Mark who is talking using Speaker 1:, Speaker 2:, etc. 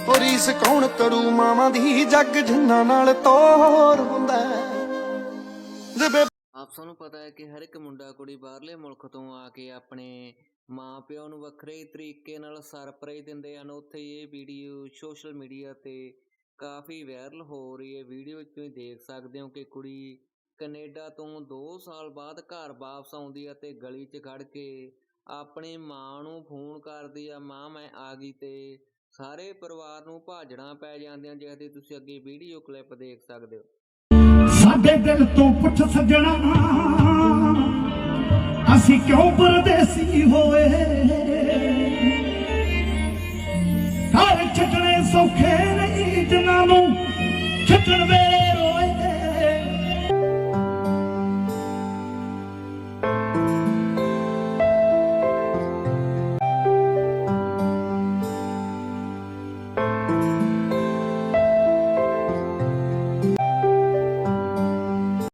Speaker 1: ਉਹ ਰੀਸ ਕੌਣ ਕਰੂ ਮਾਵਾਂ ਦੀ ਜੱਗ ਜਿੰਨਾਂ ਨਾਲ ਤੋਰ ਹੁੰਦਾ ਜਿਵੇਂ।
Speaker 2: ਆਪ ਸਾਨੂੰ ਪਤਾ ਹੈ ਕਿ ਹਰ ਇੱਕ ਮੁੰਡਾ ਕੁੜੀ ਬਾਹਰਲੇ ਮੁਲਕ ਤੋਂ ਆ ਕੇ ਆਪਣੇ ਮਾਂ ਪਿਓ ਨੂੰ ਵੱਖਰੇ ਤਰੀਕੇ ਨਾਲ ਸਰਪ੍ਰਾਈਜ਼ ਦਿੰਦੇ ਹਨ। ਉੱਥੇ ਇਹ ਵੀਡੀਓ ਸੋਸ਼ਲ ਮੀਡੀਆ ਤੇ ਕਾਫੀ ਵਾਇਰਲ ਹੋ ਰਹੀ ਹੈ। ਵੀਡੀਓ ਵਿੱਚ ਤੁਸੀਂ ਦੇਖ ਸਕਦੇ ਹੋ ਕਿ ਕੁੜੀ ਕੈਨੇਡਾ ਤੋਂ 2 ਸਾਲ ਬਾਅਦ ਘਰ ਵਾਪਸ ਆਉਂਦੀ ਹੈ ਤੇ ਗਲੀ 'ਚ ਖੜ ਕੇ ਆਪਣੀ ਮਾਂ ਨੂੰ ਫੋਨ ਕਰਦੀ ਆ, ਮਾਂ ਮੈਂ ਆ ਗਈ, ਤੇ ਸਾਰੇ ਪਰਿਵਾਰ ਨੂੰ ਭਾਜੜਾਂ ਪੈ ਜਾਂਦੀਆਂ, ਜਿਸ ਦੀ ਤੁਸੀਂ ਅੱਗੇ ਵੀਡੀਓ ਕਲਿੱਪ ਦੇਖ ਸਕਦੇ ਹੋ।
Speaker 3: ਸਾਡੇ ਦਿਲ ਤੋਂ ਪੁੱਛ ਸੱਜਣਾ ਅਸੀਂ ਕਿਉਂ ਪਰਦੇਸੀ ਹੋਏ, ਘਰ ਛੱਡਣੇ ਸੌਖੇ ਨਹੀਂ ਜਿਨ੍ਹਾਂ ਨੂੰ ਛੱਡਣ ਵੇ